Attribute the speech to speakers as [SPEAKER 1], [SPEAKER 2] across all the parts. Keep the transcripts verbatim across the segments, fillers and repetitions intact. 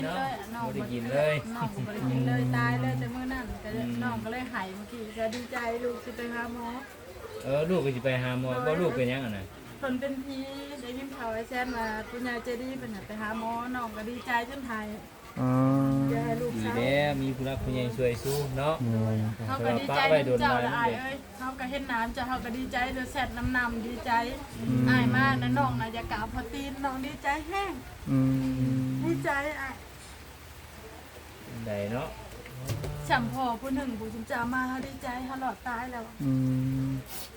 [SPEAKER 1] เลยน้องบ่ได้กินเลยน้องก็บ่ได้กินเลยตายเลยแต่มื้อนั้นก็น้องก็เลยหายเมื่อกี้ก็ดีใจลูกสิไปหาหมอ
[SPEAKER 2] เออลูกก็สิไปหาหมอบ่ลูกเป็นหยังอ่ะน่ะ
[SPEAKER 1] เพิ่นเป็นผีได้ยินข่าวไอ้แซนว่าปุญญาเจดีเพิ่นน่ะไปหาหมอน้องก็ดีใจจนหาย
[SPEAKER 3] อ๋อ
[SPEAKER 2] ดีแล้วมีผู้รักผู้ใหญ่ช่วยสู้เนาะ
[SPEAKER 1] เฮาก็ดีใจเจ้าละอายเอ้ยเฮาก็เห็นน้ำเจ้าเฮาก็ดีใจเด้อแซ่ดน้ำนำดีใจอายมากนะน้องน่ะอย่ากราบพอตีนน้องดีใจแห้ง
[SPEAKER 3] อืม
[SPEAKER 1] ดีใจอ่ะ
[SPEAKER 2] ได้เนาะ
[SPEAKER 1] ฉันพ่อผู้หนึ่งผู้จิมจามาเฮาดีใจเฮาหลอดตายแล้ว
[SPEAKER 3] อืม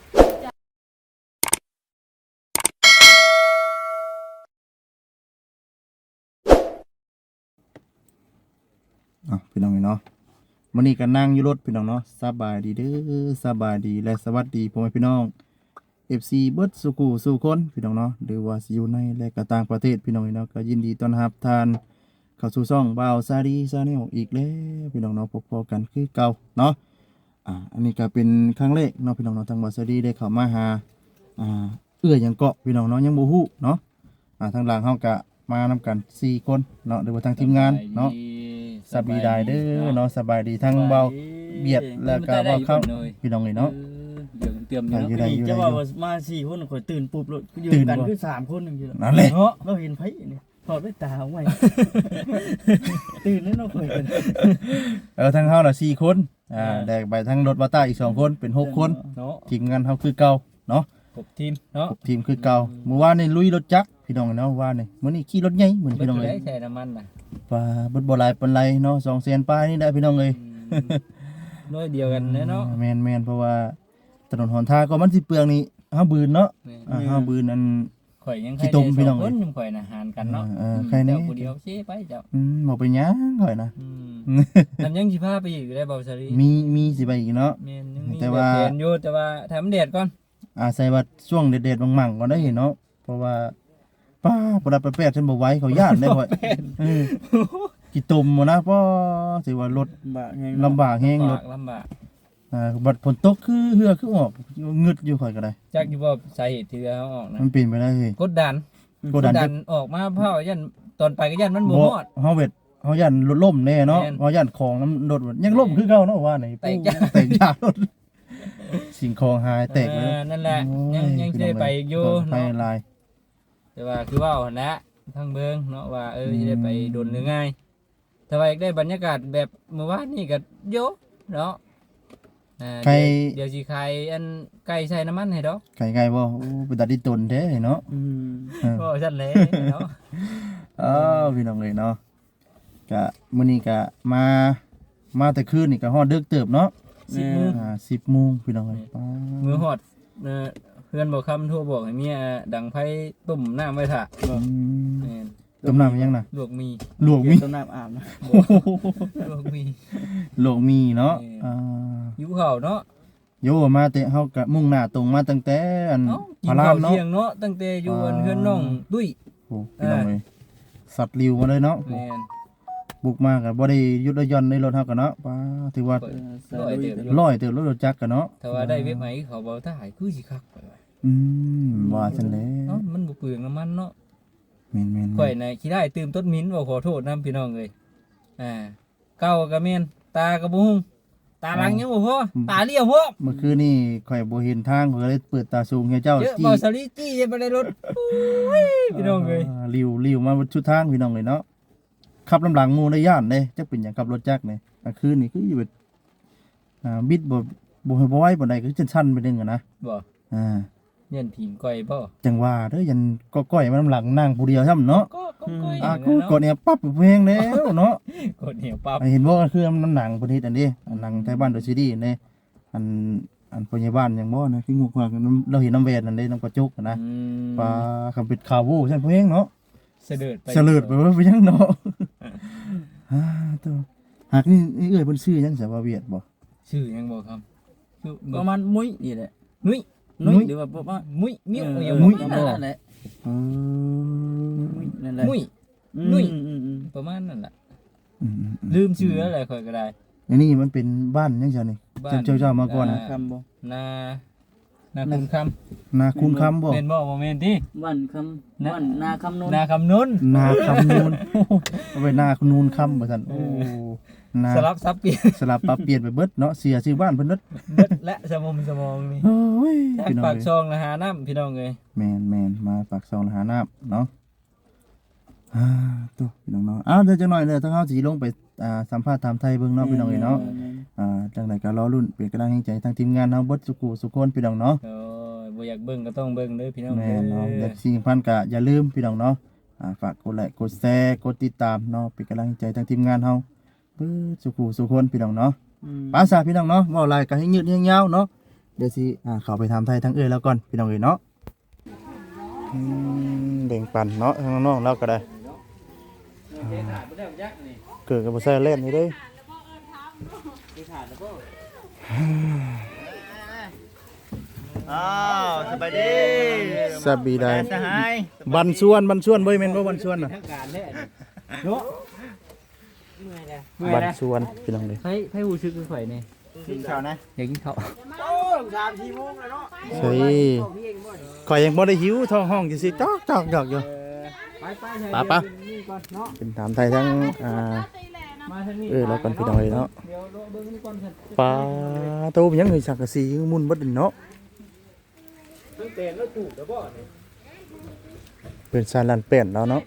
[SPEAKER 3] อ่ะพี่น้องเนาะมื้อนี้ก็นั่งอยู่รถพี่น้องเนาะสบายดีเด้อสบายดีและสวัสดีพ่อแม่พี่น้อง เอฟ ซี เบิดสุขุสู่คนพี่น้องเนาะหรือว่าสิอยู่ในและก็ต่างประเทศพี่น้องเนาะก็ยินดีต้อนรับท่านเข้าสู่ช่องบ่าวซาดีซาแนลอีกแล้วพี่น้องเนาะพบๆกันคือเก่าเนาะอ่าอันนี้ก็เป็นครั้งแรกเนาะพี่น้องเนาะทางบ่าวซาดีได้เข้ามาหาอ่าเอื้อหยังเกาะพี่น้องเนาะยังบ่ฮู้เนาะอ่าทางหลังเฮาก็มานำกันสี่คนเนาะหรือว่าทางทีมงานเนาะสบายดีเด้อเนาะสบายดีทั้งเบาเบียดแล้วก็เบาเข้าพี่น้องเลยเนาะ
[SPEAKER 4] เดี๋ยวเตรียมเนาะจะว่ามาสี่คนข่อยตื่นปุ๊บเลยยืนกันคือสามคนนึงอยู่
[SPEAKER 3] นั่นแหละ
[SPEAKER 4] เนาะเราเห็นไผนี่ถอดด้วยตาเอาไว้ตื่นแล้วเนาะข่อยกัน
[SPEAKER 3] เออทั้งเฮาน่ะสี่คนอ่าแดกไปทั้งรถวาต้าอีกสองคนเป็นหกคน
[SPEAKER 4] เนาะ
[SPEAKER 3] ทีมงานเฮาคือเก่าเนาะ
[SPEAKER 4] ครบทีมเนาะ
[SPEAKER 3] ครบทีมคือเก่าเมื่อวานนี่ลุยรถจักรพี่น้องเนาะว่านี่มื้อนี้ขี่รถใหญ่เหมือนพี่น้องเลย
[SPEAKER 4] ใส่น้ำมันน่ะ
[SPEAKER 3] ป่าบ่บ่หลายปานไรเนาะสองแสนปลายนี่ได้พี่น้องเอ้ย
[SPEAKER 4] น้อยเดียวกันเนาะ
[SPEAKER 3] แม่นๆเพราะว่าถนนหนทางก็มันสิเปลืองนี่เฮาบืนเนาะอ่าเฮาบืนอัน
[SPEAKER 4] ข่อยยังขี้ตมพี่น้องคนข่อยน่ะหารกันเนาะ
[SPEAKER 3] เออใครนี่
[SPEAKER 4] เจ้าผู้เดียวสิไปเจ้า
[SPEAKER 3] อืมบ่ไปหยังข่อยนะ
[SPEAKER 4] อืมนำยังสิพาไปอีกได้บ่าวซารี
[SPEAKER 3] มีมีสิไปอีกเนาะ
[SPEAKER 4] แม่นยังมีแต่ว่าเห็นอยู่แต่ว่าถ้ามันแดดก่อน
[SPEAKER 3] อ่าใส่ว่าช่วงเด็ดๆมั่งๆก็ได้เห็นเนาะเพราะว่าป้าบ่ได้ไปแปดฉันบ่ไหวเขาย่านได้ข่อยเออกี่ตุ่มบ่นะเพราะสิว่ารถลำบากแฮงรถ
[SPEAKER 4] ลำบาก
[SPEAKER 3] อ่าบัดฝนตกคือเหือคือออกงึดอยู่ข่อยก็ได้
[SPEAKER 4] จักอยู่บ่สาเหตุที่เฮาออกนะ
[SPEAKER 3] มันเป็นไปได้เฮ้ย
[SPEAKER 4] กดดันกดดันออกมาเพราะยันตอนไปก็ยันมันบ่ฮอด
[SPEAKER 3] เฮาเวทเฮายันรถล่มแน่เนาะเฮายันของน้ำรถยังล่มคือเก่าเนาะว่านี่
[SPEAKER 4] แตกยา
[SPEAKER 3] แตกยารถสิ่งของหายแตกเลย
[SPEAKER 4] นั่นแหละยังยังได้ไปอยู่
[SPEAKER 3] เนาะ
[SPEAKER 4] แต่ว่าคือว่าหั่นนะทางเบิ่งเนาะว่าเออสิได้ไปโดนหรือง่ายถ้าว่าอยากได้บรรยากาศแบบเมื่อวานนี่ก็โยเนาะอ่าเดี๋ยวสิขายอันไก่ใส่น้ำมันให้ดอก
[SPEAKER 3] ไก่ไก่บ่โอ้เป็นตาดิตนแท้เนาะ
[SPEAKER 4] อืมก็ซั่นแหละเนาะ
[SPEAKER 3] อ้าวพี่น้องเอ้ยเนาะก็มื้อนี้ก็มามาแต่คืนนี่ก็ฮอดดึกเติบเนาะ
[SPEAKER 4] สิบโมง
[SPEAKER 3] อ่า สิบโมงพี่น้องเอ้ย
[SPEAKER 4] มื้อฮอดเอ่อเพื่อนบ่คำโทรบอกให้เมียดังไผต้มน้ำไว้ท่า
[SPEAKER 3] อืมแม่นต้มน้ำยังน่ะ
[SPEAKER 4] ลวกมี
[SPEAKER 3] ลวกมี
[SPEAKER 4] ต้มน้ำอาบนะลวกมี
[SPEAKER 3] ลวกมีเนาะอ่า
[SPEAKER 4] หิวข้าวเนาะ
[SPEAKER 3] โยมาแต่เฮาก็มุ่งหน้าตรงมาตั้งแต่อัน
[SPEAKER 4] พารามเนาะเที่ยงเนาะตั้งแต่อยู่อันเฮือนน้องตุ้ย
[SPEAKER 3] โอ้พี่น้องเอ้ยสัตว์ริวมาเลยเนาะ
[SPEAKER 4] แม่น
[SPEAKER 3] บุกมาก็บ่ได้ยุดย่อนในรถเฮาก็เนาะป้าถือว่าร้อยเติบรถจักรก็เนาะ
[SPEAKER 4] ถ้าว่าได้เว็บไหนเขาบ่ถ้าหายคือสิคักไป
[SPEAKER 3] อืมว่าซั่นแหละ
[SPEAKER 4] เนาะมันบ่เปลืองน้ำมันเนาะ
[SPEAKER 3] แม่นๆ
[SPEAKER 4] ข่อยน่ะขี้ได้ตื่มต้นมิ้นบ่ขอโทษนำพี่น้องเอ้ยอ่าเก้าก็แม่นตาก็บ่ฮู้ตาหลังยังบ่พอตาเลี้ยวพอ
[SPEAKER 3] เมื่อคืนนี่ข่อยบ่เห็นทางข่อยก็เลยเปิดตาสูงให้เจ้า
[SPEAKER 4] จี้บ่สลีจี้บ่ได้รถพี่น้องเอ้ย
[SPEAKER 3] ริวริวมาชุดทางพี่น้องเอ้ยเนาะขับลำหลังหมู่ในย่านเด้จักเป็นหยังขับรถจักรนี่กลางคืนนี่คืออยู่แบบอ่าบิดบ่บ่ให้บ่ไหวปานใดคือจังซั่นไปนึงอ่ะนะ
[SPEAKER 4] บ่
[SPEAKER 3] อ่า
[SPEAKER 4] เย็นผีก้อยบ่
[SPEAKER 3] จังว่าเด้อยันก็ก้อยมาลำหลังนั่งผู้เดียวซ้ำเนาะ
[SPEAKER 4] ก็ก้อย
[SPEAKER 3] อ่ากูกดเนี่ยปั๊บเพลงแล้วเนาะ
[SPEAKER 4] กดเหนียวปั๊บ
[SPEAKER 3] เห็นบ่คือน้ำหนังเพิ่นเฮ็ดอันนี้หนังไทยบ้านโดยซีดีนี่อันอันพยาบาลหยังบ่นะคืองูกว่าเราเห็นน้ำแวนนั่นเด้น้ำกระจกนะปลาคำเป็ดขาววูซั่นเพลงเนาะ
[SPEAKER 4] เสด็จไป
[SPEAKER 3] เสด็จไปว่าไปยังเนาะฮ่าตัวหากนี่เอ้ยเพิ่นชื่อยังสาวเวียดบ่
[SPEAKER 4] ชื่อยังบ่ครับชื่อประมาณมุ้ยนี่แหละนุ้ยนุ้ยหรือว่าประมาณมุ้ยมิ้วอย่างมุ้ยนั่นแหละ
[SPEAKER 3] อืม
[SPEAKER 4] นั่นแหละมุ้ยนุ้ยประมาณนั่นแหละลืมชื่ออะไรค่อยก็ได้
[SPEAKER 3] อันนี้มันเป็นบ้านยังซั่นนี่เจ้าเจ้ามาก่อนนะ
[SPEAKER 4] นานาคุณคำ
[SPEAKER 3] นาคุณคำบ่
[SPEAKER 4] แม่นบ่บ่แม่นติ
[SPEAKER 2] วันคำวันนาคำนน
[SPEAKER 4] นาคำนุน
[SPEAKER 3] นาคำนูนเอาไปนานูนคำบ่ซั่นโอ้นา
[SPEAKER 4] สลับซับเปลี่ยน
[SPEAKER 3] สลับปรับเปลี่ยนไปเบิดเนาะเสียชื่อบ้านเพิ่นเบิด
[SPEAKER 4] เบิดและสมองสมองนี่
[SPEAKER 3] โอ้ย
[SPEAKER 4] จาก
[SPEAKER 3] พี่น้อง
[SPEAKER 4] ปาก
[SPEAKER 3] เอ้ย
[SPEAKER 4] ซองนะหาน้ำพี่น้องเอ้ย
[SPEAKER 3] แม่นแม่นมาปากซองหาน้ำเนาะอ่าตัวพี่น้องเนาะอ้าวเดี๋ยวจังหน่อยเลยถ้าเฮาสิลงไปอ่าสัมภาษณ์ถามไทยเบิ่งเนาะพี่น้องเอ้ยเนาะอ่าจังไดก็รอลุ้นเป็นกำลังใจทางทีมงานเฮาเบิดสุขุสุขคนพี่น้องเนาะ
[SPEAKER 4] โอ้ยบ่อยากเบิ่งก็ต้องเบิ่งเด้อพี่น้อง
[SPEAKER 3] แม่
[SPEAKER 4] เด้
[SPEAKER 3] นเนาะ
[SPEAKER 4] อ
[SPEAKER 3] และสิ่งสำคัญก็อย่าลืมพี่น้องเนาะอ่าฝากกดไลค์กดแชร์กดติดตามเนาะเป็นกำลังใจทางทีมงานเฮาเบิดสุขุสุขคนพี่น้องเนาะภาษาพี่น้องเนาะเว้าหลายก็ให้ยืดให้ยาวเนาะเดี๋ยวสิอ่าเข้าไปถามไทยทางเอ้ยแล้วก่อนพี่น้องเอ้ยเนาะอืมแบ่งปันเนาะทางน้องๆเราก็ได้ เกิดกับบ่ใส่เล่นนี่เด้อ้าวสบายดีสบายดีสหายบันส่วนบันส่วนบ่แม่นบ่บันส่วนน่ะ
[SPEAKER 4] ทางการแท้เนาะเมื่อยแล้วเมื่อย
[SPEAKER 3] บัน
[SPEAKER 4] แล้ว
[SPEAKER 3] ส่วนพี่น้องเด้
[SPEAKER 4] ไผไผฮู้สึกคือข่อยนี่
[SPEAKER 3] กินข้าวนะ
[SPEAKER 4] อยากกินข้าว
[SPEAKER 3] ใช่ข่อยยังบ่ได้หิวท้องห้องจังซี่จอกจอกจอกอยู่
[SPEAKER 4] ไปไป
[SPEAKER 3] ปะปะ
[SPEAKER 4] นี่ก่อนเนาะ
[SPEAKER 3] เป็นถามไทยทั้งอ่า
[SPEAKER 4] มาทางนี้
[SPEAKER 3] เออแล้วก่อนพี่น้องเอ้ยเนาะ
[SPEAKER 4] เดี๋ยวรอเบิ่งนี่ก่อนซั่น
[SPEAKER 3] ปลาโตเป็นหยังเฮ้ยสังกะสีมุนเบิดเนาะ
[SPEAKER 4] ตั้งแต่แล้วถูกแล้วบ่นี่
[SPEAKER 3] เป็นซาลันเป็ดแล้วเนาะ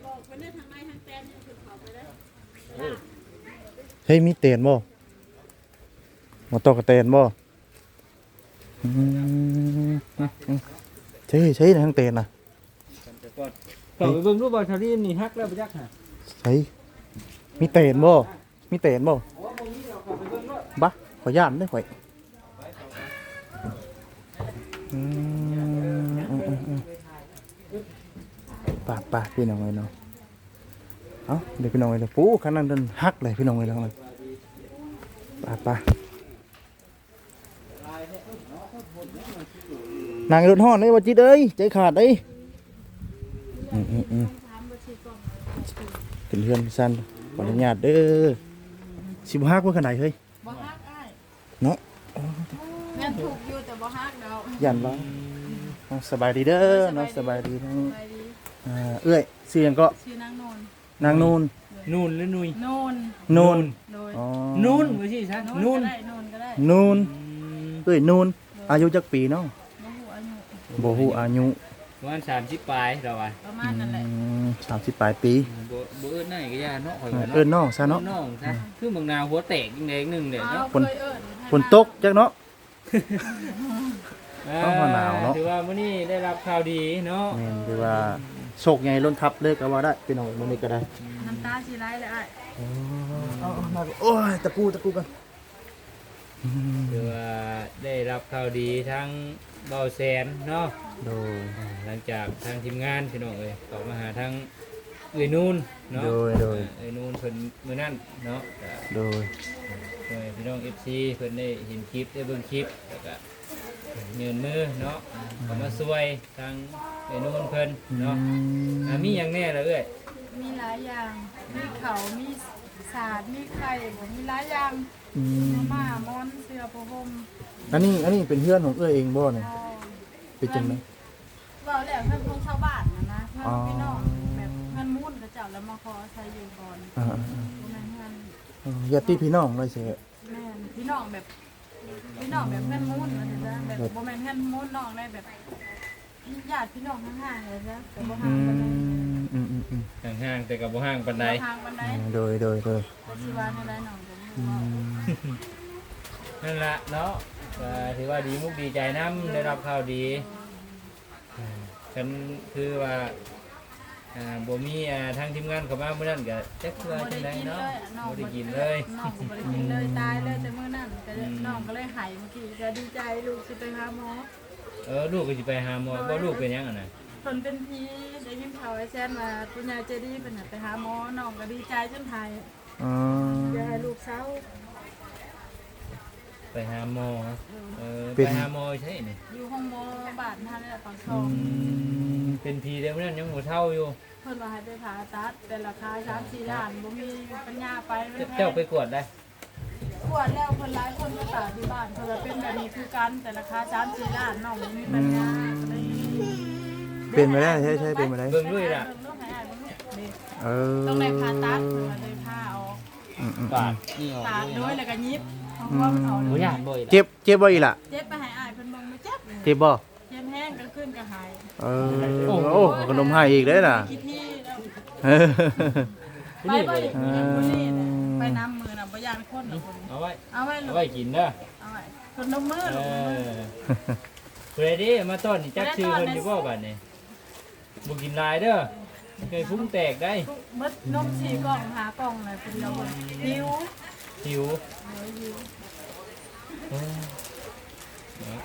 [SPEAKER 3] เฮ้ยมีเตียนบ่มาตอกกระเตียนบ่อืมใช่ใช่ทางเตียนน่ะ
[SPEAKER 4] แต่ก่อนเข้าไปเบิ่งรูปบ่ชาลีนี่ฮักแล้วบ่จักหา
[SPEAKER 3] ใช่มีเตียนบ่มีเตียนบ่บะขอย่านได้ข่อยอืมอืมอืมอืมป่าป่าพี่น้องเลยเนาะเอ้าเดี๋ยวพี่น้องเลยปูขนาดนั้นฮักเลยพี่น้องเลยทั้งนั้นป่าป่านางรถห่อนเลยว่าจิตเอ้ยใจขาดเอ้ยอืมอืมอืมเป็นเพื่อนสั้นขออนุญาตเด้อสิบฮักว่าขนาดเฮ้ย
[SPEAKER 1] บ่ฮักอ้าย
[SPEAKER 3] เนาะ
[SPEAKER 1] แม่นถูกอยู่แต่บ่ฮักดอก
[SPEAKER 3] ยันว่าน้องสบายดีเด้อน้องสบายดีทั้ง
[SPEAKER 1] ไปดี
[SPEAKER 3] อ่าเอื้อยเสียงก็
[SPEAKER 1] ชื่อนางโนน
[SPEAKER 3] นางนูน
[SPEAKER 4] นูนหรือนุย
[SPEAKER 1] โนน
[SPEAKER 3] นูน
[SPEAKER 1] โดย
[SPEAKER 3] อ๋อ
[SPEAKER 4] นูนบ่สิซะ
[SPEAKER 1] โน
[SPEAKER 4] นู
[SPEAKER 1] น
[SPEAKER 4] น
[SPEAKER 1] ก็ได้โนนก็ได้
[SPEAKER 3] นูนเอ้ยนูนอายุจักปีเนาะ
[SPEAKER 1] บ่ฮู้อายุ
[SPEAKER 3] บ่ฮู้อายุ
[SPEAKER 4] ประมาณสามสิบปลายเราอ่ะ
[SPEAKER 1] ประมาณนั้นแหละ
[SPEAKER 3] สามสิบปลายปี
[SPEAKER 4] บ่บ่เอิ้นได้ก็ย่าเนาะข่อยว่า
[SPEAKER 3] เอิ้
[SPEAKER 4] เนาะ
[SPEAKER 3] นน้องซะเนาะ
[SPEAKER 4] น้องซะคือบางนาวหัวแตกจังได๋นึงเด้
[SPEAKER 1] อ้า
[SPEAKER 4] เนาะ
[SPEAKER 1] ว
[SPEAKER 3] ฝน
[SPEAKER 1] เคยเอิ้น
[SPEAKER 3] ฝนตกจักเนาะ ต้องว่าหนาวเนาะ
[SPEAKER 4] ถือว่ามื้อนี้ได้รับข่าวดีเนาะ
[SPEAKER 3] แม่นคือว่าโชคใหญ่ล้นทับเลยก็ว่าได้พี่น้องมื้อนี้ก็ได้
[SPEAKER 1] น้ำตาสิไหลเลยอ้าย
[SPEAKER 3] เอาๆมาโอ้ยตะกูตะกูกัน
[SPEAKER 4] ถือว่าได้รับข่าวดีทั้งเบาแสนเนาะ
[SPEAKER 3] โดย
[SPEAKER 4] อ่าหลังจากทางทีมงานพี่น้องเอ้ยเข้ามาหาทางเอ้ยนูนเนาะ
[SPEAKER 3] โดยโดย
[SPEAKER 4] อ่าเอ้ยนูนเพิ่นมื้อนั้นเนาะก็
[SPEAKER 3] โดย
[SPEAKER 4] โดยพี่น้อง เอฟ ซี เพิ่นได้เห็นคลิปได้เบิ่งคลิปแล้วก็ยืนมือเนาะเข้ามาช่วยทางเอ้ยนูนเพิ่นเนาะอ่ามีหยังแน่ล่ะเอ้ย
[SPEAKER 1] มีหลายอย่าง มีเขามีสาดมีไข่บ่มีหลายอย่าง
[SPEAKER 3] อืม
[SPEAKER 1] มาม่ามอนเสื้อผ้าห่ม
[SPEAKER 3] อันนี้อันนี้เป็นเพื่อนของเอื้อเองบ่เนี่ย
[SPEAKER 1] อ๋อ
[SPEAKER 3] เป็นจังได๋
[SPEAKER 1] เว้าแล้วเพิ่นของชาวบ้านนะนะเพิ่น
[SPEAKER 3] อ๋อ
[SPEAKER 1] พี่น้องแบบเพิ่นมุ่นกับเจ้าแล้วมาขอใช้อยู่ก่อน
[SPEAKER 3] อ่า
[SPEAKER 1] บ่แม่นเพิ่น
[SPEAKER 3] ๆอ๋อญาติพี่น้องเลยสิ
[SPEAKER 1] แม่นพี่น้องแบบพี่น้องแบบเพิ่นมุ่นว่าซั่นซะแบบบ่แม่นเพิ่นมุ่นน้องได้แบบญาติพี่น้องห่างๆเลยจ้ะแต่บ่
[SPEAKER 3] อื
[SPEAKER 1] ห่างปานใด
[SPEAKER 3] มอืมอืมอืม
[SPEAKER 4] ห่างๆแต่ก็บ่ห่างปานใด
[SPEAKER 1] บ่ห่างปานใด
[SPEAKER 3] โดยโดยโดย
[SPEAKER 1] แต่สิว่าในใดน้องก็บ่
[SPEAKER 3] อื
[SPEAKER 1] รู้ว่า
[SPEAKER 3] ม
[SPEAKER 4] นั่นล่ะเนาะก็ถือว่าดีมุกดีใจนํได้รับข่าวดีอ่าฉันคือว่าอ่าบ่มีอ่าทางทีมงานเข้ามามื้อนั้นก็จักคือว่า
[SPEAKER 1] บ่
[SPEAKER 4] จัง
[SPEAKER 1] ได้
[SPEAKER 4] ได
[SPEAKER 1] กิน
[SPEAKER 4] เนาะ
[SPEAKER 1] เลยน้อง
[SPEAKER 4] บ่ได้กินเลย
[SPEAKER 1] น้องก็บ่ได้กินเลยตายเลยแต่มื้อนั้นก็น้องก็เลยหายเมื่อกี้ก็ดีใจลูกสิไปหาหมอ
[SPEAKER 4] เออลูกก็สิไปหาหมอบ่ลูกเป็นหยังอ่ะน่ะ
[SPEAKER 1] เพิ่นเป็นผีได้ยินข่าวไอ้แซนว่าปุญญาเจดีย์เพิ่นน่ะไปหาหมอน้องก็ดีใจจนไทย
[SPEAKER 3] อ๋อ
[SPEAKER 1] อยากให้ลูกเศร้า
[SPEAKER 4] ไปหาหมอเออ
[SPEAKER 3] เป็น
[SPEAKER 4] ไปหาหมอใช่นี่
[SPEAKER 1] อยู่ห้องหมอบาดท่านนี่แหละตอนส
[SPEAKER 3] อื
[SPEAKER 1] อง
[SPEAKER 3] ม
[SPEAKER 4] เป็นพีเดียวนั้นยังบ่เท่าอยู่
[SPEAKER 1] เพิ่นว่าให้ไปผ่าตัดแต่ราคาสามสี่ล้านบ่มีปัญญาไปมันแพ
[SPEAKER 4] เจ้าง ไปกวดได้
[SPEAKER 1] ไปกวดแล้วคนร้ายคนมาตากที่บ้านเพิ่นว่าเป็นแบบนี้คือกันแต่ราคาสามสี่ล้านน้องบ่มีปัญญาก็เลย
[SPEAKER 3] เป็นไปได้ใช่ใช่เป็นไปได้
[SPEAKER 2] เบิ่งด้วยล่ะ
[SPEAKER 1] เบิ่งลูกให้อ้ายเบิ่งลูกนี่
[SPEAKER 3] เออ
[SPEAKER 1] ต้องได้ผ่าตัดเพิ่นว่าเลยผ่าออก
[SPEAKER 3] อืมอืม
[SPEAKER 2] ปากนี่ออก
[SPEAKER 1] ตากโดยแล้วก็ยิบเพราะว่ามันออก
[SPEAKER 2] บ่
[SPEAKER 1] เลย
[SPEAKER 2] ย่านบ่อีก
[SPEAKER 3] เจ็บเจ็บบ่อีหล่ะ
[SPEAKER 1] เจ็บไปให้อ้ายเพิ่นเบิ่งมาเจ็บ
[SPEAKER 3] เจ็บบ่
[SPEAKER 1] เจ็บแห้งกลางคืนก็หาย
[SPEAKER 3] เออโอ้ขนมให้อีกเด้อน่ะ
[SPEAKER 1] ขี้ที่แล้ว
[SPEAKER 3] เออ
[SPEAKER 1] ไปบ่ได้คนนี้น่ะไปน้ำมือน่ะบ่ย่านคนน่ะคน
[SPEAKER 2] เอาไว้
[SPEAKER 1] เอาไว้ลู
[SPEAKER 2] เอา
[SPEAKER 1] ก
[SPEAKER 2] ไว้กินเด้อ
[SPEAKER 1] เอาไว้คนนมมือ
[SPEAKER 2] เอ
[SPEAKER 1] ลูก
[SPEAKER 2] อเพื่อดิมาต้อนนี่จักชื่อเพิ่นอยู่บ่บัดนี้บ่กินหลายเด้อเคยพุ่งแตกได้
[SPEAKER 1] มดนมสี่กล่องหากล่องเลยคนเดียวคนหิว
[SPEAKER 2] หิว
[SPEAKER 1] เออหิว
[SPEAKER 2] เออเนาะ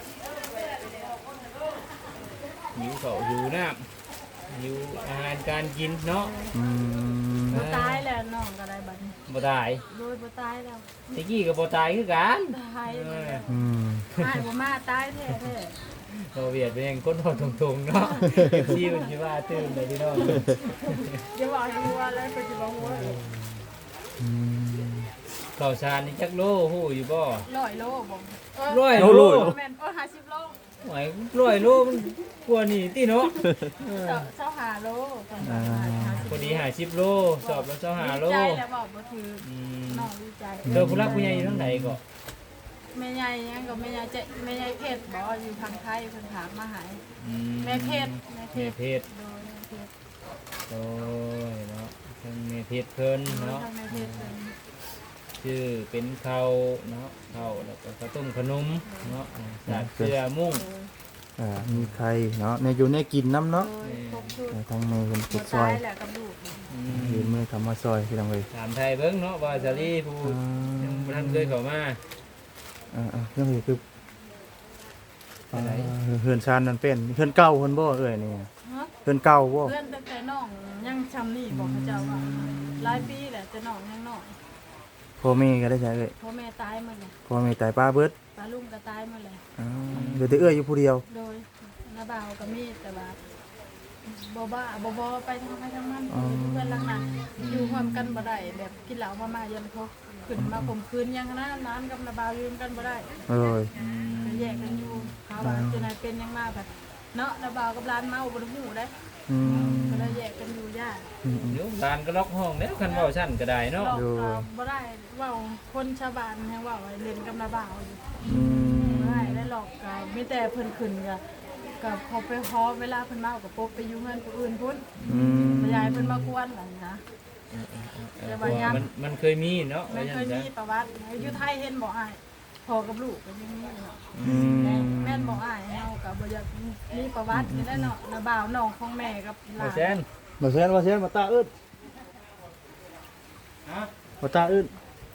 [SPEAKER 2] หิวเขาวหิวน้ำหิวอาหารการกินเนาะ
[SPEAKER 3] อืม
[SPEAKER 1] บ่ตายแล้วน้องก็ได้บัดนี้
[SPEAKER 2] บ่ตาย
[SPEAKER 1] โดยบ่ตายแล้ว
[SPEAKER 2] ตะกี้ก็บ่ตายคือกัน
[SPEAKER 1] ตาย
[SPEAKER 2] เออ
[SPEAKER 3] อืม
[SPEAKER 1] ตายบ่มาตายแท้แท้
[SPEAKER 2] เราเวียดเป็นยังคนทอดทงๆเนาะที่มันสิว่าตื่นเลยพี่น้อง
[SPEAKER 1] อย่าบอกให้หัวเลยก็สิบ่หัว
[SPEAKER 3] อืม
[SPEAKER 2] ข้าวสารนี่จักโลฮู้อยู่บ่
[SPEAKER 1] ร้อยโลบ่เออ
[SPEAKER 2] ร้อย
[SPEAKER 3] โล
[SPEAKER 2] โล
[SPEAKER 1] แม่นเออห้าสิบโล
[SPEAKER 2] หวยร้อยโลมันกว่านี่ติเนาะเออ
[SPEAKER 1] เจ้าเจ้าหาโลก่อนจะหาห้าสิบ
[SPEAKER 2] พอดีห้าสิบโลสอบแล้วเจ้าห้าโล
[SPEAKER 1] ดีใจแล้วบอกบ่ถือ
[SPEAKER 2] อืม
[SPEAKER 1] น้องดีใจ
[SPEAKER 2] เจอผู้รักผู้ใหญ่อยู่ทางไหนก็
[SPEAKER 1] แม่ใหญ่ยังก็แม่ใหญ่เจ๊แม่ใหญ่เพชรบ่อยู่ทางไทยเพิ่นถามมาหา
[SPEAKER 2] อืม
[SPEAKER 1] แม่เพชรแม่เพ
[SPEAKER 2] แม่
[SPEAKER 1] ชร
[SPEAKER 2] เพชร
[SPEAKER 1] โดยแม่เพชร
[SPEAKER 2] โอ้ยเนาะทางแม่เพชรเพิ่น
[SPEAKER 1] โดย
[SPEAKER 2] เนาะ
[SPEAKER 1] ทางแม่เพชรเพิ่น
[SPEAKER 2] ชื่อเป็นข้าวเนาะข้าวแล้วก็ข้าวต้มขนมเนาะสาดเกลือมุ้ง
[SPEAKER 1] โดย
[SPEAKER 3] อ่ามีใครเนาะในอยู่ในกินน้ำเนาะ
[SPEAKER 1] โดยครบชุด
[SPEAKER 3] เออทั้งในเป็น
[SPEAKER 1] บ่
[SPEAKER 3] จุดซอ
[SPEAKER 1] ตาย ยแหละกับลูก
[SPEAKER 2] อื
[SPEAKER 3] ยืน
[SPEAKER 2] ม
[SPEAKER 3] มือคำมาซอยพี่น้องเลย
[SPEAKER 2] ถามไทยเบิ้งเนาะว่าซาลีผู้
[SPEAKER 3] อ่า
[SPEAKER 2] ยังบ่ทันเคยเข้ามา
[SPEAKER 3] อ่าอ่าเรื่องนี้คือ
[SPEAKER 2] ไปไหน
[SPEAKER 3] อ่าเฮือนชานนั่นเป็นเฮือนเก่าเฮือนบ่เอ้ยนี่
[SPEAKER 1] ฮะ
[SPEAKER 3] เฮือนเก่าบ่
[SPEAKER 1] เพื่อนตั้งแต่น้องยังชำนี่บอกเขาเจ้าว่าหลายปีแหละแต่น้องยังน้อย
[SPEAKER 3] พ่อแม่ก็ได้ใช่เอ้ย
[SPEAKER 1] พ่อแม่ตายหมดเลย
[SPEAKER 3] พ่อแม่ตายป้าเบิด
[SPEAKER 1] ตาลุงก็ตายหมดเลย
[SPEAKER 3] อ่าเหลือแต่เอ้ยอยู่ผู้เดียว
[SPEAKER 1] โดยนาบ่าวก็มีแต่ว่าบ่บ้าบ่บ่ไปทางไปทางมันเพื่อนหลังนั้นอยู่ร่วมกันบ่ได้แบบกินเหล้ามามายันพอขึ้นมาข่มขืนยังนะนานกับนาบ่าวอยู่กันบ่ได้
[SPEAKER 3] เอ้ย
[SPEAKER 1] ก็แยกกันอยู่เขาว่าจะไหนเป็นยังมาแบบเนาะนาบ่าวกับร้านเมาบ่ได้ฮู้ได้
[SPEAKER 3] อืม
[SPEAKER 1] ก็เลยแยกกันอยู่ยาก
[SPEAKER 3] อืมอืม
[SPEAKER 2] เดี๋ยวร้านก็ล็อกห้องแล้วคันเว้าชั้นก็ได้เนาะ
[SPEAKER 1] เรา
[SPEAKER 3] ดู
[SPEAKER 1] ก็บ่ได้เว้าคนชาวบ้านให้เว้าให้เล่นกับนาบ่าวอยู่
[SPEAKER 3] อืม
[SPEAKER 1] บ่ได้ได้หรอกก็มีแต่เพิ่นขึ้นก็ก็พอไปฮอเวลาเพิ่นเมาก็ปกไปอยู่เฮือนผู้อื่นพุ่น
[SPEAKER 3] อืม
[SPEAKER 1] บ่อยากให้เพิ่นมากวนหลังนะ
[SPEAKER 2] เออเพราะว่ามันมันเคยมีเนาะ
[SPEAKER 1] แม่
[SPEAKER 2] ว่า
[SPEAKER 1] เค
[SPEAKER 2] จัง
[SPEAKER 1] ย
[SPEAKER 2] ซะ
[SPEAKER 1] มีประวัติอยู่ไทยเห็นบ่อ้ายพ่อกับลูกก็ยังมีเนาะ
[SPEAKER 3] อืม
[SPEAKER 1] แม่นบ่อ้ายเฮาก็บ่อยากมีประวัตินี่แหละเนาะนาบ่าวน้องของแม่กับหลา
[SPEAKER 2] บ่
[SPEAKER 1] น
[SPEAKER 2] แซน
[SPEAKER 3] มาเซนมาเซนมาตาอึด
[SPEAKER 2] ฮะ
[SPEAKER 3] มาตาอึด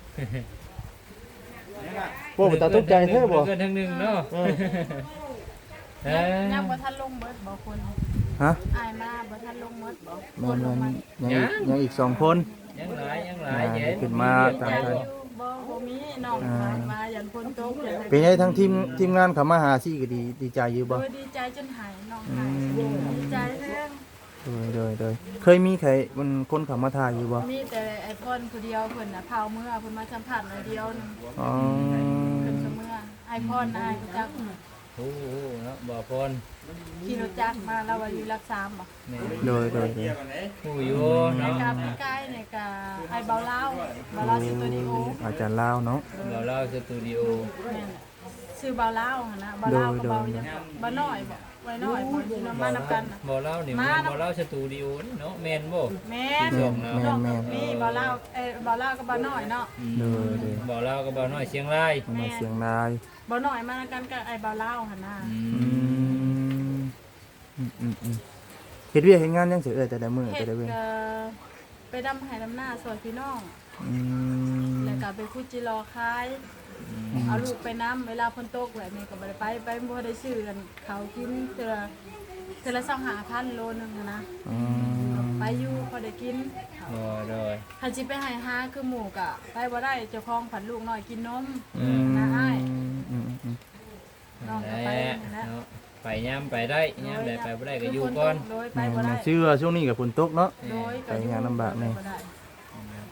[SPEAKER 3] บ่มาตาตกใจแท้บ่
[SPEAKER 2] เกินทั้งหนึงเนาะเออ
[SPEAKER 1] ยังยังบ่ทันลงเบิดบ่คน
[SPEAKER 3] ฮะ
[SPEAKER 1] อ้ายมาบ่ทันลงเบิดบ่ค
[SPEAKER 3] มัน
[SPEAKER 1] นล
[SPEAKER 3] มั
[SPEAKER 1] ง
[SPEAKER 3] น
[SPEAKER 1] มา
[SPEAKER 3] ยังอีกยังอีกสองคน
[SPEAKER 2] ยังหลายยังหลายเย็น
[SPEAKER 3] ขึ้นมา
[SPEAKER 1] ใจอยู่บ่บ่มีน้องขายมายันคนตกยันให้
[SPEAKER 3] เป็นไงทั้งทีมทีมงานเขามาหาซี่ก็ดีดีใจอยู่บ่
[SPEAKER 1] โดยดีใจจนหายน้องหายดีใจแท้
[SPEAKER 3] โดยโดยโดยเคยมีใครมันคนเขามาถ่ายอยู่บ่
[SPEAKER 1] มีแต่ไอ้พ่นผู้เดียวเพิ่นน่ะเผาเมื่อเพิ่นมาสัมผัสหน่อยเดียวหนึง
[SPEAKER 3] อ๋อ
[SPEAKER 1] เพิ่นเสมอไอ้พ่นนายจัก
[SPEAKER 2] โอ้โหเนาะบ่พร
[SPEAKER 1] ขี่รถจักรมาแล้วว่าอยู่รักษามบ่
[SPEAKER 2] แม่
[SPEAKER 3] โดยโดยโดย
[SPEAKER 2] ผู้อยู่
[SPEAKER 1] ใน
[SPEAKER 2] เนาะ
[SPEAKER 1] กาพี่ใกล้ในกาไอ้เบาเล่าเบาเล่าสตูดิโอ
[SPEAKER 3] อาจารย์ลาวเนาะ
[SPEAKER 2] เราเล่าสตูดิโอ
[SPEAKER 1] แม่นชื่อเบาเล่าหั่นนะเบาเล่าก็เบายังเบาน้อยบ่ไว้น้อยบ่อยู่นำมานำกันน่ะ
[SPEAKER 2] บ่เล่านี่มันบ่เล่าสตูดิโอนี่เนาะแม่นบ่
[SPEAKER 1] แม่น
[SPEAKER 3] แม่นแม่นแม่น
[SPEAKER 1] มีเบาเล่าเอ้ยเบาเล่ากับเบาน้อยเนาะ
[SPEAKER 3] โดยโดย
[SPEAKER 2] บ่เล่าก็บ่น้อยเชียงราย
[SPEAKER 3] เอามาเสียงนาย
[SPEAKER 1] เบาน้อยมานำกันกับไอ้เบาเล่าหั่นน่ะ
[SPEAKER 2] อื
[SPEAKER 3] อื
[SPEAKER 2] ม
[SPEAKER 3] มอืมอืมอืมเฮ็ดเวียกเฮ็ดงานยังสิเอ้ยแต่ละมื้อ
[SPEAKER 1] เฮ็
[SPEAKER 3] แต่
[SPEAKER 1] ด
[SPEAKER 3] ละเว้น
[SPEAKER 1] ก็ไปดำไห้ดำหน้าสวยพี่น้อง
[SPEAKER 3] อืม
[SPEAKER 1] แล้วก็ไปคุจิรอคาย เอาลูกไปน้ำเวลาฝนตกแบบนี้ก็บ่ได้ไปไปบ่ได้ซื้อกันเขาวกินเทื่อเทื่อละสองห้าพันโลนึงหั้นนะ
[SPEAKER 3] อืม
[SPEAKER 1] ไปอยู่พอได้กิน
[SPEAKER 2] บ่โดย
[SPEAKER 1] ถ้าสิไปให้หาคือหมูกะไปบ่ได้เจ้าของผันลูกน้อยกินนม
[SPEAKER 2] อืม
[SPEAKER 1] นะอ้าย
[SPEAKER 3] อืมอืมอืม
[SPEAKER 1] น้องก็
[SPEAKER 2] ไป
[SPEAKER 1] ไปนะ
[SPEAKER 2] เนาะไปยามไปได้ยามใดไปบ่ได้ก็อยู่ก่อน
[SPEAKER 1] โดยไป
[SPEAKER 3] แม่
[SPEAKER 1] บ่ได้
[SPEAKER 3] นๆชื่อว่าช่วงนี้ก็ฝนตกเนาะ
[SPEAKER 1] โดย
[SPEAKER 3] ไปงานลำบากแน่
[SPEAKER 1] บ่ได้
[SPEAKER 3] เ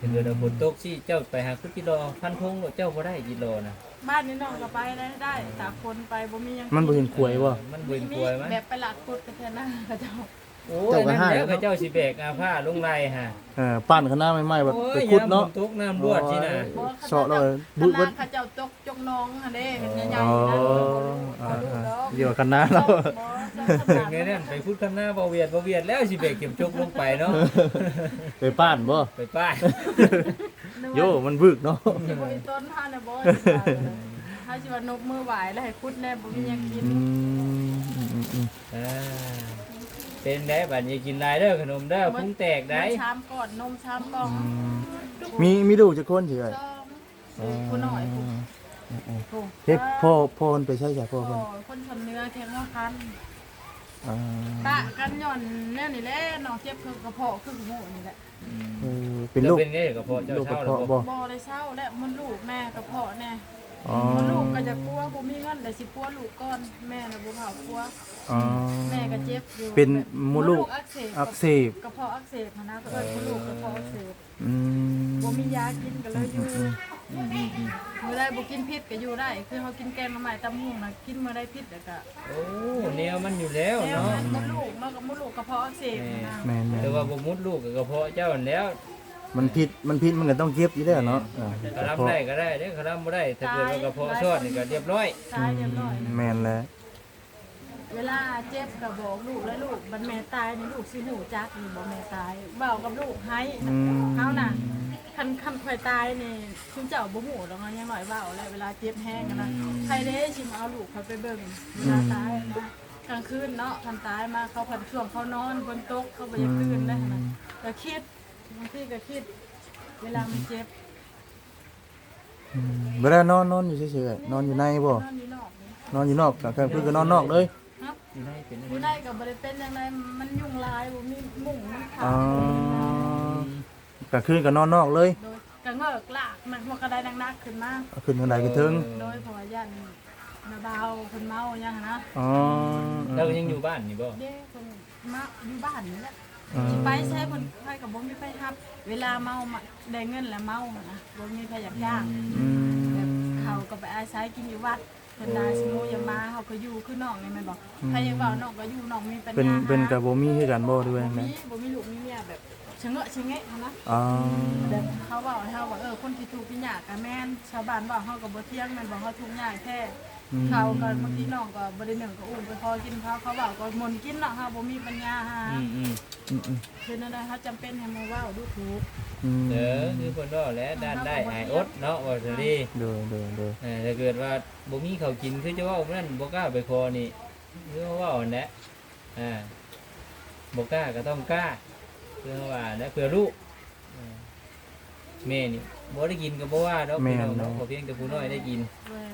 [SPEAKER 2] ถ้าเกิดว่าฝนตกสิเจ้าไปหาคุดกิโลพันพงเจ้าบ่ได้กิโลนะ
[SPEAKER 1] บ้านนี้น้องก็ไปได้ได้แต่คนไปบ่มีหยัง
[SPEAKER 3] มันบ่เห็นขวยบ่
[SPEAKER 2] มันเบิ่นกลวยมั้ย
[SPEAKER 1] แบบไปหลัดกุดไปเท่านั้นเขาเจ้า
[SPEAKER 2] โอ้ยนั่นแล้วก็เจ้าสิแบกอาผ้าลงไล่ฮะ
[SPEAKER 3] เออปั้นข้างหน้าใหม่ๆแบบ
[SPEAKER 2] โอ้
[SPEAKER 3] ไป
[SPEAKER 2] ย
[SPEAKER 3] ขุด
[SPEAKER 2] ยามฝ
[SPEAKER 3] เนาะ
[SPEAKER 2] นตกน้ำรวดสินะ
[SPEAKER 3] เสาะเลยบุ
[SPEAKER 1] บุ
[SPEAKER 3] บ
[SPEAKER 1] บ
[SPEAKER 3] เบิด
[SPEAKER 1] เขาเจ้าจกจกน้องหั่นเด้เห็นใหญ่
[SPEAKER 3] อ๋อ
[SPEAKER 1] ๆนะ
[SPEAKER 3] อ่า
[SPEAKER 1] เขาดู
[SPEAKER 3] อ่า
[SPEAKER 1] ดอก
[SPEAKER 3] เดี๋ยวข้างหน้าเรา
[SPEAKER 2] เป็นไงนั่นไปพูดคำหน้าบ่เวียดบ่เวียดแล้วสิแบกเก็บจกลงไปเนาะ
[SPEAKER 3] ไปป้านบ่
[SPEAKER 2] ไปป้าย
[SPEAKER 3] โยมันบึกเนาะ
[SPEAKER 1] สิบ่อีต้นท่านน่ะบ่ถ้าสิว่านกมือไหวแล้วให้คุดแน่บ่มีหยังกิน
[SPEAKER 3] อืมอืมอืมอืม
[SPEAKER 2] อ่าเป็นได้บัดนี้กินหลายเด้อขนมเด้อพุงแตกได้
[SPEAKER 1] นมชามก่อนนมชามกล่อง
[SPEAKER 3] มีมีลูกจักคนสิเอ้ย
[SPEAKER 1] จ้องผู้น้อยผู้ผู้
[SPEAKER 3] เฮ็ดพ่อพ่อเพิ่นไปใช้จ้ะพ่อ
[SPEAKER 1] พ่
[SPEAKER 3] เพิ่
[SPEAKER 1] อน คนทำเนื้อแข็งว่าคัน
[SPEAKER 3] อ่า
[SPEAKER 1] ปะกันหย่อนแน่นี่แหละน้องเจ็บคือกระเพาะคือหูนี่แหละ
[SPEAKER 3] เออเป็น
[SPEAKER 2] แล้
[SPEAKER 3] ลู
[SPEAKER 2] ว
[SPEAKER 3] ก
[SPEAKER 2] เป็นไงกับพ่อเจ้า
[SPEAKER 3] ลูกกระ
[SPEAKER 2] เช่าแล้ว
[SPEAKER 3] เพาะ
[SPEAKER 2] บ่
[SPEAKER 3] บ่
[SPEAKER 1] บ่ได้เศร้าและมันลูกแม่กระเพาะแน่
[SPEAKER 3] อ๋อ
[SPEAKER 1] มันลูกก็จะกลัวบ่มีเงินแต่สิปัวลูกก่อนแม่น่ะบ่เผากลัว
[SPEAKER 3] อ๋อ
[SPEAKER 1] แม่ก็เจ็บอยู่
[SPEAKER 3] เป็นมดลูก
[SPEAKER 1] อักเสบ
[SPEAKER 3] อักเสบ
[SPEAKER 1] กระเพาะอักเสบนะก็เอิ้นมดลูกกระเพาะอักเสบ
[SPEAKER 3] อืม
[SPEAKER 1] บ่มียากินก็เลยอยู่มื้อใดบ่กินพิษก็อยู่ได้ คือเฮากินแกงหน่อไม้ตำหุ่งน่ะกินมื้อใดพิษแล้วก็
[SPEAKER 2] โอ้แนวมันอยู่แล้ว
[SPEAKER 1] แล้ว
[SPEAKER 2] เนาะ
[SPEAKER 1] มันมดลูกเนาะกับมดลูกกระเพาะอักเสบนะ
[SPEAKER 3] แม่น
[SPEAKER 2] แต่ว่าบ่มุดลูกกับกระเพาะเจ้านั่นแล้ว
[SPEAKER 3] ๆมันผิดมันผิดมันก็ต้องเก็บอยู่แล้วเนาะเออก
[SPEAKER 2] ระลำได้ก็ได้เด้อกระลำบ่ได้ถ้าเกิดว่ากระเพาะชอดนี่ก็เรียบร้อย
[SPEAKER 1] ตายเรียบร้อย
[SPEAKER 3] แม่นแล้ว
[SPEAKER 1] เวลาเจ็บก็บอกลูกแล้วลูกบัดแม่ตายนี่ลูกสิหูจักนี่บ่แม่ตายเว้ากับลูกให้
[SPEAKER 3] อืม
[SPEAKER 1] เฮาน่ะคันคันข่อยตายนี่คุณเจ้าบ่ฮู้ดอกเนาะยังน้อยเว้าแล้วเวลาเจ็บแห้งกันนะใครเด้สิมาเอาลูกเขาไปเบิ่งเวลาตายนะกลางคืนเนาะคันตายมาเขาพันช่วงเขานอนบนโต๊ะเขาบ่อยากตื่นเลยนะก็คิดบางทีก็คิด เวลามันเจ็บ
[SPEAKER 3] อืมเวลานอนนอนอยู่เฉยๆนอนอยู่ในบ่
[SPEAKER 1] นอนอยู่นอกนี่
[SPEAKER 3] นอนอยู่นอกกลางคืนก็นอนนอกเลย
[SPEAKER 1] ครับ
[SPEAKER 2] อยู่ได้เป็น
[SPEAKER 1] อยู่ได้ก็บ่ได้เป็นจังไดมันยุ่งหลายบ่มีมุ้งมันขา
[SPEAKER 3] อ๋อ
[SPEAKER 1] ด
[SPEAKER 3] กลางคืนก็นอนนอกเลย
[SPEAKER 1] โดยก็เงอกลากมันมันก็ได้นักๆขึ้นมา
[SPEAKER 3] เอาขึ้นทางใดก็ถึง
[SPEAKER 1] โดยเพราะว่าย่านนาเบาเพิ่นเมาหยังหั้นนะ
[SPEAKER 3] อ๋อ
[SPEAKER 2] แล้วยังอยู่บ้านนี่บ่
[SPEAKER 1] เด้เพิ่นมาอยู่บ้านนี่แหละ
[SPEAKER 3] อืม
[SPEAKER 1] สิไปใช้เพิ่นไปก็บ่มีไผรับ เวลาเมามาได้เงินแล้วเมาหั้นนะบ่มีไผอยากจ้าง
[SPEAKER 3] อื
[SPEAKER 1] แบบ
[SPEAKER 3] ม
[SPEAKER 1] เขาก็ไปอาศัยกินอยู่วัดเพิ่นได้สมมุติอย่ามาเฮาก็อยู่คือน้องนี่แม่นบ่ใครอยากเว้าน้องก็อยู่น้องมีปัญญา
[SPEAKER 3] เป็นเป็น
[SPEAKER 1] หา
[SPEAKER 3] กับบ่มีคือกันบ่ด้วย
[SPEAKER 1] บ่
[SPEAKER 3] นะ
[SPEAKER 1] มีบ่มีลูกมีเมียแบบชะเงอะชะแงะหั้นนะ
[SPEAKER 3] อ๋อ
[SPEAKER 1] แบบเขาบอกให้เขาว่าเออคนที่ถูกข์ที่ยากกับแม่นชาวบ้านบอกเขากับบ่เที่ยงแม่นบอกเขาทุกข์ยากแท้
[SPEAKER 3] อืม
[SPEAKER 1] เขาก็บางทีน้องก็บ่ได้หนึ่งก็อุ้มไปพอกินเขาเขาบอกก็มนต์กินเนาะเฮาบ่มีปัญญาหา
[SPEAKER 2] อืมอืม
[SPEAKER 3] อืมอืม
[SPEAKER 1] คือนั่นแหละเขาจำเป็นให้มาเว้าดูถูก
[SPEAKER 3] อืม
[SPEAKER 2] เด้อคือเพิ่นว่าแล้วด้านได้หายอดเนาะว่าซั่นดิ
[SPEAKER 3] เดูดูดู
[SPEAKER 2] เออถ้าเกิดว่าบ่มีข้าวกินคือจะเว้านั่นบ่กล้าไปขอนี่คือเว้าอันนั้นอ่าบ่กล้าก็ต้องกล้าคือว่านะเพื่อลูกเออแม่นี่บ่ได้กินก็บ่ว่าดอกพี่น้องเนาะขอเพียงแต่ผู้น้อยได้กิน
[SPEAKER 1] เว้ย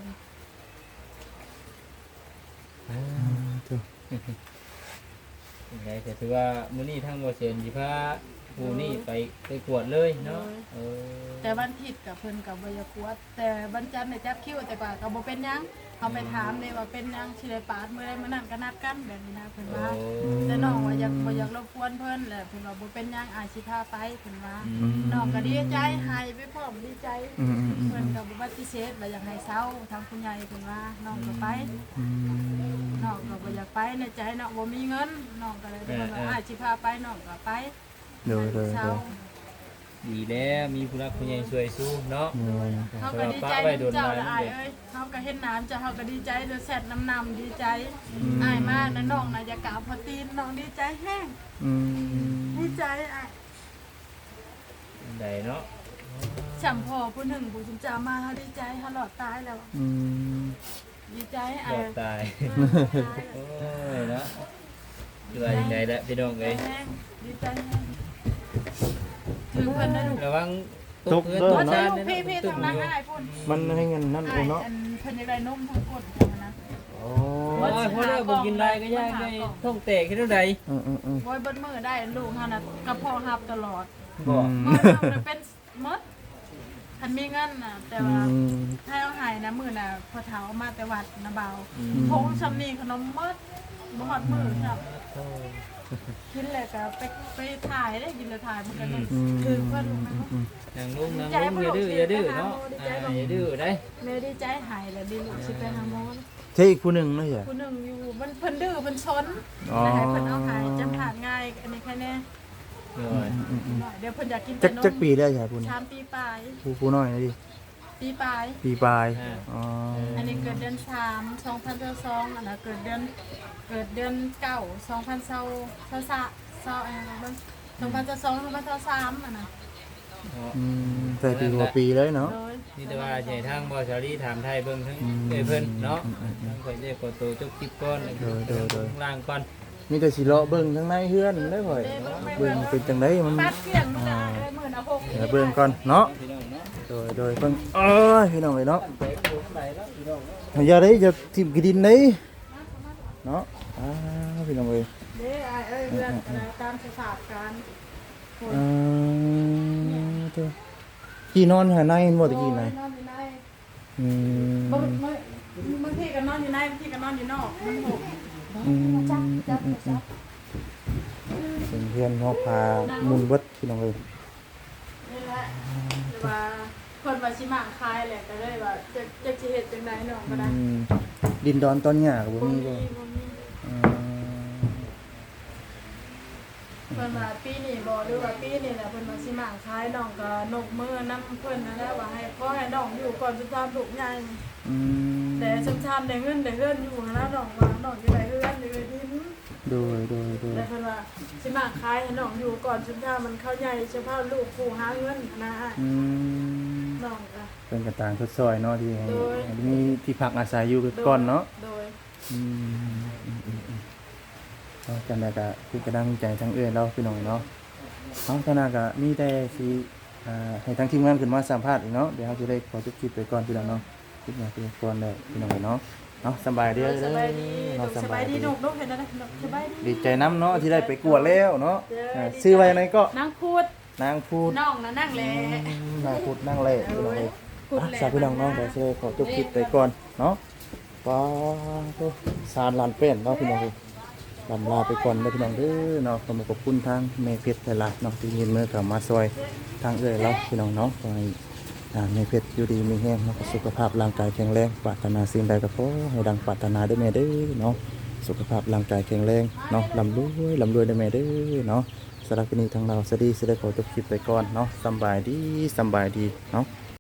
[SPEAKER 3] อืมเถอะ
[SPEAKER 2] ยังไงก็ถือว่ามื้อนี้ทั้งบ่เซนสิพาผู้นี่ไปไปกวดเลยเนาะเออ
[SPEAKER 1] แต่วันผิดกับเพิ่นกับบ่อยากกวดแต่วันจันทร์เนี่ยจับคิวแต่ว่าก็บ่เป็นหยังเอาไปถามเลยว่าเป็นหยังสิได้ปาดมื้อใดมื้อนั้นก็นัดกันแบบนี้นะเพิ่นว่า แต่น้องว่าอยากบ่อยากรบกวนเพิ่นแหละเพิ่นว่าบ่เป็นหยังอาจสิพาไปเพิ่นว่า
[SPEAKER 2] อืม
[SPEAKER 1] น้องก็ดีใจให้ไปพร้อมดีใจ
[SPEAKER 3] อืมอืมอืม
[SPEAKER 1] เพิ่นก็บ่ปฏิเสธว่าอยากให้เซาทางผู้ใหญ่เพิ่นว่าน้องก็ไป
[SPEAKER 3] อืม
[SPEAKER 1] น้องก็บ่อยากไปในใจน้องบ่มีเงินน้องก็เลยเพิ่นว่าอาจสิพาไปน้องก็ไป
[SPEAKER 3] เดูดู
[SPEAKER 1] เซา
[SPEAKER 3] ดู
[SPEAKER 2] ดีแล้วมีผู้รักผู้ใหญ่ช่วยสู้เนาะ
[SPEAKER 3] อืม
[SPEAKER 1] เฮาก็ดีใจเจ้าละอายเอ้ยเฮาก็เห็นน้ำเจ้าเฮาก็ดีใจเด้อแซ่ดน้ำนำดีใจอายมากนะน้องน่ะอยากกราบพอตีนน้องดีใจแฮง
[SPEAKER 3] อืม
[SPEAKER 1] ดีใจอ่ะ
[SPEAKER 2] ได้เนาะ
[SPEAKER 1] ฉัมพ่อผู้หนึ่งผู้จินจามาเขาดีใจเขาหลอดตายแล้ว
[SPEAKER 3] อืม
[SPEAKER 1] ดีใจ
[SPEAKER 2] ร
[SPEAKER 1] อ่ะ
[SPEAKER 2] อดตาย
[SPEAKER 1] เออตาย
[SPEAKER 2] โอ้ยเนาะดูว่ายังไงละพี่น้องเอ้ย
[SPEAKER 1] แห้งดีใจแห้งถือเพิ่นได้ลูก
[SPEAKER 2] ระวัง
[SPEAKER 3] ตก
[SPEAKER 2] เงิน
[SPEAKER 3] เด้อ
[SPEAKER 2] ตก
[SPEAKER 3] เนาะ
[SPEAKER 2] ชาติ
[SPEAKER 1] พี่พี่ทางนั้นอ้ายพุ่น
[SPEAKER 3] มันให้เงินนั่น
[SPEAKER 1] อ้า
[SPEAKER 3] โอ้
[SPEAKER 1] ย
[SPEAKER 3] เนาะ
[SPEAKER 1] อันเพิ่นอยากได้นมทั้งกดจังนะ
[SPEAKER 3] โอ้
[SPEAKER 2] โอ้ยพอแล้วบ่กินไรก็ยากได้ท้องแตกแค่เท่าใด
[SPEAKER 3] อืมอืมอืม
[SPEAKER 1] โอ้ยเบิ้มือได้ลูกเฮาน่ะกระเพาะหับตลอด
[SPEAKER 2] บ่
[SPEAKER 3] อืม
[SPEAKER 1] เมื่อทำน่ะเป็นหมดคันมีเงินน่ะแต่ว่า
[SPEAKER 3] อืม
[SPEAKER 1] ถ้าเอาใหายนะมื้อน่ะพอเฒ่ามาแต่วัดนะเบา
[SPEAKER 2] อืม
[SPEAKER 1] พงชำนีขนมหมดบ่ฮอดมื้อครับกินแล้วก็ไปไปถ่ายได้กินแล้วถ่ายมันก็นั่น
[SPEAKER 3] อืม
[SPEAKER 1] คือเพิ่นรู้ไหม
[SPEAKER 3] อืม
[SPEAKER 2] นางลุงนางลุงอย่าดื้ออย่าดื้อเนาะอ่าอย่าดื้อได้
[SPEAKER 1] แม่ดีใจหายแล้วดีลูกสิไปหาหมอ
[SPEAKER 3] ใช่อีกผู้หนึงเนาะใช่
[SPEAKER 1] ผู้หนึงอยู่มันเพิ่นดื้อเพิ่นซน
[SPEAKER 3] อ๋อ
[SPEAKER 1] แต่ให้เพิ่นเอาหายจำผ่านง่ายอันนี้แค่แน่
[SPEAKER 2] เลย
[SPEAKER 3] อืมอืม
[SPEAKER 1] เดี๋ยวเพิ่นอยากกิน
[SPEAKER 3] จั
[SPEAKER 1] แต่
[SPEAKER 3] ก
[SPEAKER 1] น
[SPEAKER 3] จัก
[SPEAKER 1] ม
[SPEAKER 3] ปีได้ใช่ผู้นี้
[SPEAKER 1] สามปีปลาย
[SPEAKER 3] ผู้ผู้น้อยนะดิ
[SPEAKER 1] ปีปลาย
[SPEAKER 3] ปีปลายอ๋อ
[SPEAKER 1] อันนี้เกิดเดือนสามสองพันสองอันนั้นเกิดเดือนเกิดเดือนเก้าสองพันเศร้าเศร้าสะเศร้าอะไรนะมันสองพันสองสองพันสามอันนั้น
[SPEAKER 3] อืมแต่ปีกว่าปีเลยเนาะ
[SPEAKER 1] โดย
[SPEAKER 2] นี่แต่ว่าใหญ่ทางบอชารีถามไทยเบิ่งทั้งเอ้ยเพิ่นเนาะทั้งข่อยเรียกกดตัวจุกจิบก้อนข้างล่างก่อน
[SPEAKER 3] มีแต่สิเลาะเบิ่งทั้งในเฮือนได้ข่อยเบิ่งเป็นจังไดมัน
[SPEAKER 1] ปัดเกลี่ยงมันจะได้หมื่นเอาหก
[SPEAKER 3] เดี๋ยวเบิ่งก่อนเนาะ
[SPEAKER 2] พี่น้องเนาะ
[SPEAKER 3] โดยโดยเบิ่งเอ้ยพี่น้องเอ้ยเนาะ
[SPEAKER 2] ไปโคไหนแล้วพี่น้องเนาะ
[SPEAKER 3] อย่าได้จะทิ่มกระดินนี่เนาะอ้าพี่น้องเอ้ย
[SPEAKER 1] เด้ไอ้เอ้ยเรื่องอะไรตามสภาพการ
[SPEAKER 3] อ่าตัวกี่นอนหาในหมดตะกี้ไหน
[SPEAKER 1] นอนอยู่ใน
[SPEAKER 3] อืม
[SPEAKER 1] บางบางทีก็นอนอยู่ในบางทีก็นอนอยู่นอกมันหก
[SPEAKER 3] อืมอืมอืมอืมเป็นเพื่อนเฮาพามุนเบิดพี่น้องเอ้ย
[SPEAKER 1] นี่แหละแต่ว่าคนว่าชิมาคายแหละก็เลยว่าจะจะสิเฮ็ดจังไดเนาะก็ได้
[SPEAKER 3] อืมดินดอนตอนหญ้าก็บ่
[SPEAKER 1] บ่
[SPEAKER 3] มี
[SPEAKER 1] มี
[SPEAKER 3] บ่
[SPEAKER 1] บ่มี
[SPEAKER 3] อ่า
[SPEAKER 1] เพิ่นว่าปีนี้บ่หรือว่าปีนี้แหละเพิ่นว่าสิมาคายน้องก็นกมือนำเพิ่นนั่นแหละว่าให้ขอให้น้องอยู่ก่อนสุดท้ายลูกใหญ่
[SPEAKER 3] อืม
[SPEAKER 1] แต่ชุมชนได้เงินได้เฮือนอยู่หั้นนะน้องว่าน้องจะได้เฮือนได้ดิน
[SPEAKER 3] โดยโดยโดย
[SPEAKER 1] แต่เพิ่นว่าสิมาขายให้น้องอยู่ก่อนชุมชนมันเข้าใหญ่เฉพาะลูกผู้หาเงินนะ
[SPEAKER 3] อืม
[SPEAKER 1] น้องก็
[SPEAKER 3] เป็นกระต่างทดซอยเนาะที่ให้
[SPEAKER 1] โดย
[SPEAKER 3] ให้มีที่พักอาศัยอยู่ก่อนเนาะ
[SPEAKER 1] โดย
[SPEAKER 3] อืมอืมอืมอืมเอาจังไดก็คือกระดังใจทั้งเอื้อเราพี่น้องเนาะเอาขณะก็มีแต่สิอ่าให้ทั้งทีมงานขึ้นมาสัมภาษณ์อีกเนาะเดี๋ยวเราจะได้ขอจบคลิปไปก่อนพี่น้องเนาะคลิปนี้ไปก่อนได้พี่น้องเนาะเนาะสบายดี
[SPEAKER 1] สบายดี
[SPEAKER 3] เนาะ
[SPEAKER 1] สบายดีน้องลูกเห็นแล้วนะน้องสบายดี
[SPEAKER 3] ดีใจน้ำเนาะที่ได้ไปกวดแล้วเนาะอ่าซื้อไว้ไหนก็
[SPEAKER 1] นางพูด
[SPEAKER 3] นางพูด
[SPEAKER 1] น้องน่ะนั่งแล
[SPEAKER 3] นางพูดนั่งเล่พี่น้องเอ้ย
[SPEAKER 1] พูด
[SPEAKER 3] อ่ะ
[SPEAKER 1] แล
[SPEAKER 3] สาพี่น้องเนาะเดี๋ยวจะได้ขอจบคลิปไปก่อนเนาะป้าตัวสารลานเป็นเนาะพี่น้องเอ้ยลำลาไปก่อนเด้อพี่น้องเด้อเนาะขอขอบคุณทางแม่เพชรหลายๆเนาะที่ยินมือกับมาซอยทางเอื้อยเราพี่น้องเนาะขอให้อ่าแม่เพชรอยู่ดีมีแห้งเนาะสุขภาพร่างกายแข็งแรงปรารถนาสิ่งใดก็ขอให้ดังปรารถนาเด้อแม่เด้อเนาะสุขภาพร่างกายแข็งแรงเนาะลำรวยลำรวยเด้อแม่เด้อเนาะสำหรับวันนี้ทางเราสวัสดีสิได้ขอจบคลิปไปก่อนเนาะสำบายดีสำบายดีเนาะ